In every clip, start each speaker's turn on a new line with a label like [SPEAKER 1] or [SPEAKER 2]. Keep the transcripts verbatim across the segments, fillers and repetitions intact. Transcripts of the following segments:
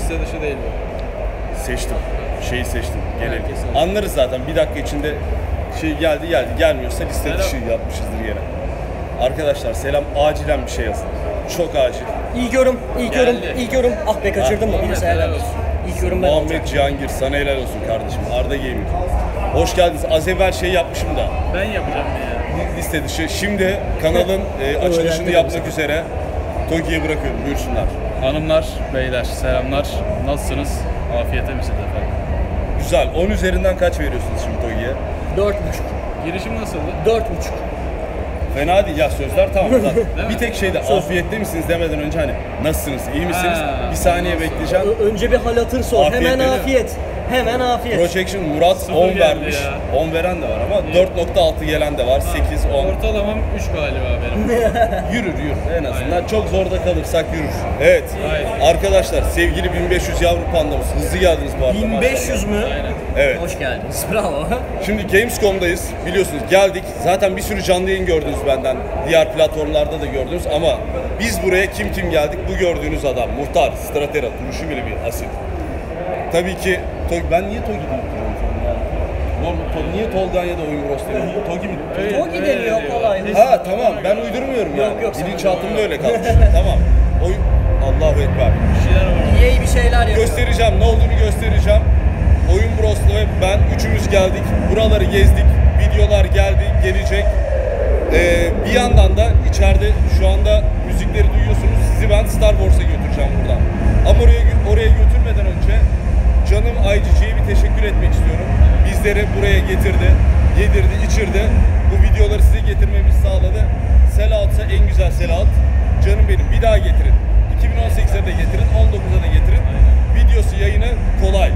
[SPEAKER 1] liste dışı değil bu.
[SPEAKER 2] Seçtim. Şeyi seçtim. Genel. Anlarız zaten. Bir dakika içinde şey geldi geldi. Gelmiyorsa liste dışı yapmışızdır gene. Arkadaşlar selam. Acilen bir şey yazın. Çok acil.
[SPEAKER 3] İlk yorum, ilk yorum, ilk yorum. Ah be kaçırdım mı? Birisi helal olsun. İlk yorum ben
[SPEAKER 2] Muhammed Cihangir, sana helal olsun kardeşim. Arda Gaming. Hoş geldiniz. Az evvel şey yapmışım da.
[SPEAKER 1] Ben yapacağım ya.
[SPEAKER 2] Liste dışı. Şimdi kanalın e, açılışını yapmak üzere Togi'ye bırakıyorum. Buyursunlar.
[SPEAKER 1] Hanımlar, beyler selamlar. Nasılsınız? Afiyete misiniz efendim?
[SPEAKER 2] Güzel. on üzerinden kaç veriyorsunuz şimdi Togi'ye?
[SPEAKER 3] Dört buçuk.
[SPEAKER 1] Girişim nasıldı?
[SPEAKER 3] Dört buçuk.
[SPEAKER 2] Fena değil ya, sözler tamam. Bir tek şeyde afiyette misiniz demeden önce hani nasılsınız, iyi misiniz?
[SPEAKER 1] Ha,
[SPEAKER 2] bir saniye bekleyeceğim.
[SPEAKER 3] Ö- önce bir hal hatır sor.
[SPEAKER 2] Afiyet
[SPEAKER 3] Hemen
[SPEAKER 2] dedi.
[SPEAKER 3] afiyet. Hemen afiyet.
[SPEAKER 2] Projection Murat on
[SPEAKER 1] geldi
[SPEAKER 2] vermiş.
[SPEAKER 1] ya.
[SPEAKER 2] on veren de var ama dört nokta altı gelen de var. sekiz, on.
[SPEAKER 1] Ortalamam üç galiba benim.
[SPEAKER 2] Yürür yürür en azından. Aynen. Çok zorda kalırsak yürür. Evet.
[SPEAKER 1] Aynen.
[SPEAKER 2] Arkadaşlar sevgili bin beş yüz yavru pandamız. Hızlı geldiniz bu arada.
[SPEAKER 3] bin beş yüz mü?
[SPEAKER 1] Aynen.
[SPEAKER 2] Evet.
[SPEAKER 3] Hoş geldiniz. Bravo.
[SPEAKER 2] Şimdi Gamescom'dayız. Biliyorsunuz geldik. Zaten bir sürü canlı yayın gördünüz benden. Diğer platformlarda da gördünüz ama biz buraya kim kim geldik? Bu gördüğünüz adam. Muhtar, Stratera, duruşu bile bir asil. Tabii ki Togi, ben niye Togi deyip duruyorum sonra yani? Normal, to, niye Tolgan ya da Oyun Bros demiyorum? Togi mi?
[SPEAKER 3] Togi deniyor kolay.
[SPEAKER 2] Ha tamam, ben uydurmuyorum yani.
[SPEAKER 3] Yok, yok,
[SPEAKER 2] Bilinçaltımda öyle kalmış. Tamam. Oyun... Allahu Ekber.
[SPEAKER 1] Bir şeyler var.
[SPEAKER 3] İyi bir şeyler yapıyor.
[SPEAKER 2] Göstereceğim, ne olduğunu göstereceğim. Oyun Bros'la ve ben üçümüz geldik. Buraları gezdik. Videolar geldi, gelecek. Ee, bir yandan da içeride şu anda müzikleri duyuyorsunuz. Sizi ben Star Wars'a götüreceğim buradan. Ama oraya, oraya götürmeden önce canım I G G'ye bir teşekkür etmek istiyorum. Bizleri buraya getirdi, yedirdi, içirdi. Bu videoları size getirmemizi sağladı. Sellout'sa en güzel sellout. Canım benim, bir daha getirin. iki bin on sekize de getirin, on dokuza da getirin. Videosu, yayını kolay.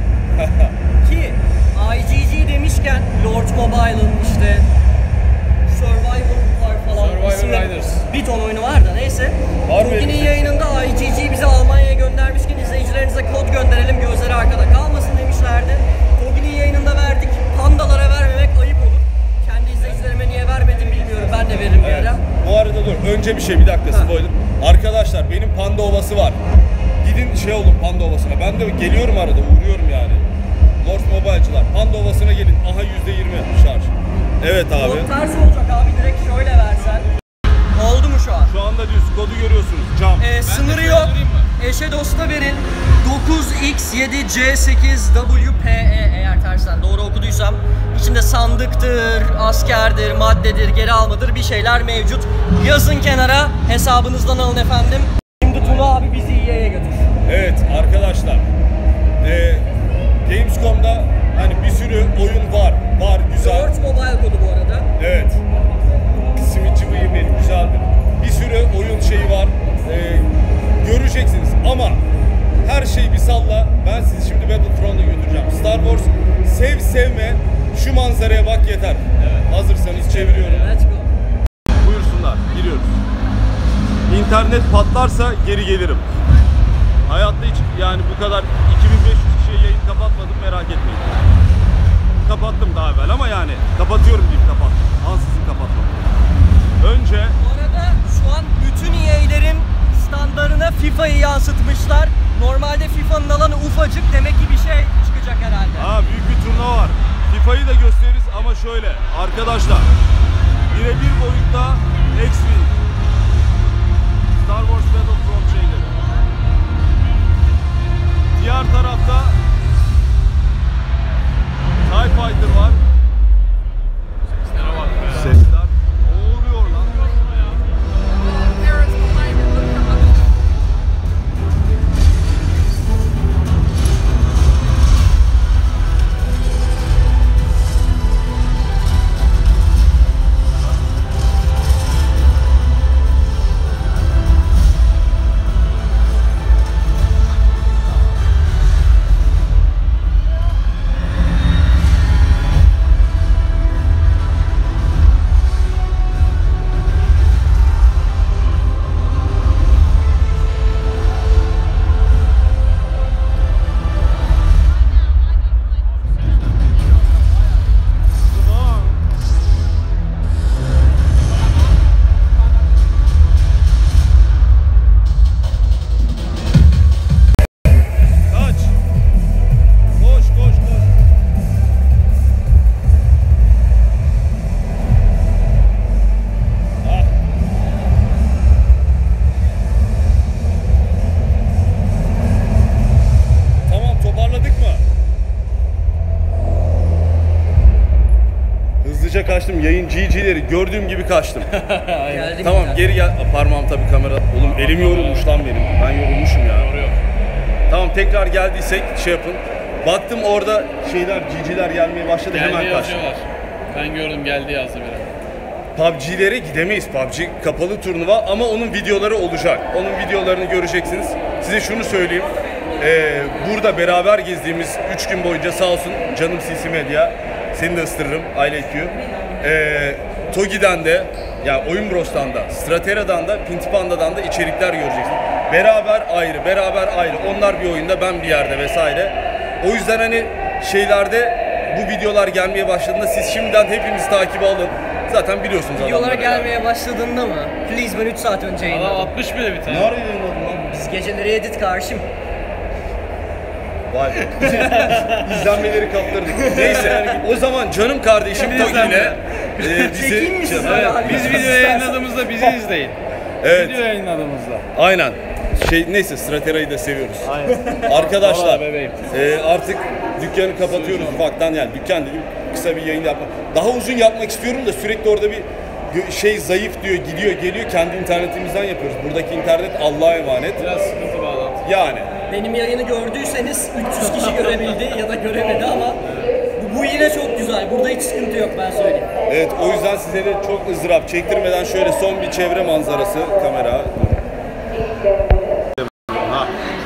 [SPEAKER 3] Ki I G G demişken Lord Mobile'ın işte Survivor Park falan
[SPEAKER 1] Survivor
[SPEAKER 3] isimli
[SPEAKER 1] Riders.
[SPEAKER 3] bir ton oyunu var da neyse.
[SPEAKER 2] Var mı
[SPEAKER 3] Togi'nin
[SPEAKER 2] öyle bir
[SPEAKER 3] yayınında I G G bizi Almanya'ya göndermişken izleyicilerinize kod gönderelim, gözleri arkada kalmasın demişlerdi. Togi'nin yayınında verdik. Pandalara vermemek ayıp olur. Kendi izleyicilerime niye vermedim bilmiyorum. Ben de veririm bir
[SPEAKER 2] Evet.
[SPEAKER 3] ara.
[SPEAKER 2] Bu arada dur, önce bir şey, bir dakika spoiler. Arkadaşlar benim Panda Ovası var. Gidin şey olun Panda Ovası'na. Ben de geliyorum arada, uğruyorum yani. Lord Mobile'cılar. Panda Ovası'na gelin. Aha yüzde yirmi şarj. Evet abi.
[SPEAKER 3] Kod ters olacak abi, direkt şöyle versen. Oldu mu şu an?
[SPEAKER 2] Şu anda düz kodu görüyorsunuz. Cam.
[SPEAKER 3] Ee, sınırı yok. Eşe dosta verin. dokuz X yedi C sekiz W P E eğer tersten doğru okuduysam. İçinde sandıktır, askerdir, maddedir, geri almadır bir şeyler mevcut. Yazın kenara, hesabınızdan alın efendim. Şimdi Tuna abi bizi E A'ya götür.
[SPEAKER 2] Evet arkadaşlar. Ee, Gamescom'da hani bir sürü oyun var. Var güzel.
[SPEAKER 3] Lord Mobile kodu bu arada.
[SPEAKER 2] Evet. Simitçi bıyım benim, güzeldir. Bir sürü oyun şeyi var. Ee, göreceksiniz ama her şeyi bir salla. Ben sizi şimdi Battlefront'a götüreceğim. Star Wars sev sevme, şu manzaraya bak yeter. Evet. Hazırsanız çeviriyorum.
[SPEAKER 3] Let's go.
[SPEAKER 2] Buyursunlar, giriyoruz. İnternet patlarsa geri gelirim. Hayatta hiç yani bu kadar iki bin beş yüz kişiye yayın kapatmadım, merak etmeyin. Kapattım daha evvel ama yani kapatıyorum deyip kapattım. Ansızın kapatmam. Önce
[SPEAKER 3] Bu arada şu an bütün E A'lerin standarına FIFA'yı yansıtmışlar. Normalde FIFA'nın alanı ufacık, demek ki bir şey çıkacak herhalde.
[SPEAKER 2] ha, büyük bir turnuva var. FIFA'yı da gösteririz ama şöyle arkadaşlar. Birebir boyutta X-Wing, Star Wars Battlefront şeyleri. Diğer tarafta TIE Fighter var.
[SPEAKER 1] Seslere bak be.
[SPEAKER 2] Sesler. Ne oluyor lan? kaçtım. Yayın G G'leri gördüğüm gibi kaçtım.
[SPEAKER 3] Geldim
[SPEAKER 2] Tamam
[SPEAKER 3] yine.
[SPEAKER 2] geri gel. Aa, Parmağım tabii kamera. Oğlum elim yorulmuş lan benim. Ben yorulmuşum ya.
[SPEAKER 1] Doğru yok.
[SPEAKER 2] Tamam tekrar geldiysek şey yapın. Baktım orada şeyler G G'ler gelmeye başladı,
[SPEAKER 1] Geldi
[SPEAKER 2] hemen kaçtım.
[SPEAKER 1] yazıyorlar. Ben gördüm geldi yazdı biri.
[SPEAKER 2] P U B G'lere gidemeyiz. P U B G kapalı turnuva ama onun videoları olacak. Onun videolarını göreceksiniz. Size şunu söyleyeyim. Ee, burada beraber gezdiğimiz üç gün boyunca sağ olsun canım C C Medya, seni de ısırırım, I like you. Ee, Togi'den de, yani Oyun Bros'tan da, Stratera'dan da, Pintipanda'dan da içerikler göreceksin. Beraber ayrı, beraber ayrı. Onlar bir oyunda, ben bir yerde vesaire. O yüzden hani şeylerde bu videolar gelmeye başladığında siz şimdiden hepimizi takibe alın. Zaten biliyorsunuz
[SPEAKER 3] Videolar
[SPEAKER 2] adamları
[SPEAKER 3] gelmeye
[SPEAKER 2] yani.
[SPEAKER 3] başladığında mı? Please ben üç saat önce
[SPEAKER 1] Adam
[SPEAKER 3] yayınladım.
[SPEAKER 1] atmış bile bir tane.
[SPEAKER 2] Ne arıyor yayınladın lan?
[SPEAKER 3] Biz geceleri edit karşım.
[SPEAKER 2] Vay be. İzlenmeleri kaptırdık. Neyse o zaman canım kardeşim
[SPEAKER 1] Şimdi
[SPEAKER 2] Togi
[SPEAKER 1] izlenme.
[SPEAKER 2] ile e,
[SPEAKER 3] Çekeyim mi
[SPEAKER 2] bizi...
[SPEAKER 3] sizi?
[SPEAKER 1] Evet,
[SPEAKER 3] Hadi.
[SPEAKER 1] biz video yayınladığımızda bizi izleyin.
[SPEAKER 2] Evet.
[SPEAKER 1] Video yayınladığımızda.
[SPEAKER 2] Aynen. Şey neyse Stratera'yı da seviyoruz.
[SPEAKER 1] Aynen.
[SPEAKER 2] Arkadaşlar
[SPEAKER 1] Vallahi bebeğim.
[SPEAKER 2] e, artık dükkanı kapatıyoruz ufaktan, yani dükkan dedim kısa bir yayın yapmak. Daha uzun yapmak istiyorum da sürekli orada bir gö- şey zayıf diyor, gidiyor geliyor, kendi internetimizden yapıyoruz. Buradaki internet Allah'a emanet.
[SPEAKER 1] Biraz sıkıntı bağlantı.
[SPEAKER 2] Yani
[SPEAKER 3] Benim yayını gördüyseniz üç yüz kişi görebildi ya da göremedi ama bu, bu yine çok güzel. Burada hiç sıkıntı yok, ben söyleyeyim.
[SPEAKER 2] evet, o yüzden size de çok ızdırap çektirmeden şöyle son bir çevre manzarası kamera. Ha.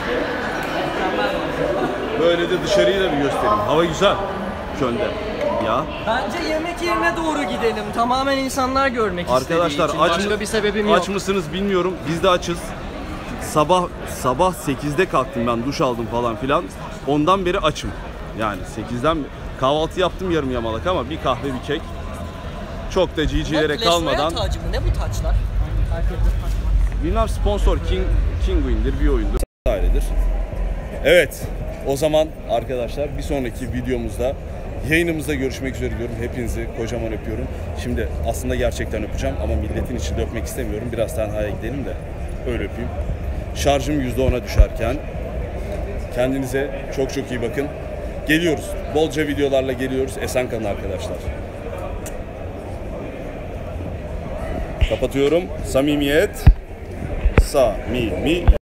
[SPEAKER 2] Böyle de dışarıyı da bir göstereyim. Hava güzel. Köln'de. Ya.
[SPEAKER 3] Bence yemek yerine doğru gidelim. Tamamen insanlar görmek
[SPEAKER 2] Arkadaşlar
[SPEAKER 3] istediği için.
[SPEAKER 2] aç,
[SPEAKER 3] Başka bir sebebim
[SPEAKER 2] aç
[SPEAKER 3] yok.
[SPEAKER 2] mısınız bilmiyorum. Biz de açız. Sabah sabah sekizde kalktım ben, duş aldım falan filan. Ondan beri açım. Yani sekizden kahvaltı yaptım yarım yamalak ama bir kahve bir kek. Çok da G G'lere kalmadan.
[SPEAKER 3] Clash Royale tacı mı? Ne bu taçlar?
[SPEAKER 2] Bilmem, sponsor King Kinguin'dir, bir oyundur. Ailedir. Evet. O zaman arkadaşlar bir sonraki videomuzda, yayınımızda görüşmek üzere diyorum. Hepinizi kocaman öpüyorum. Şimdi aslında gerçekten öpeceğim ama milletin içinde öpmek istemiyorum. Biraz tenhaya gidelim de öyle öpeyim. Şarjım yüzde ona düşerken kendinize çok çok iyi bakın. Geliyoruz. Bolca videolarla geliyoruz. Esen kalın arkadaşlar. Kapatıyorum. Samimiyet. Samimi.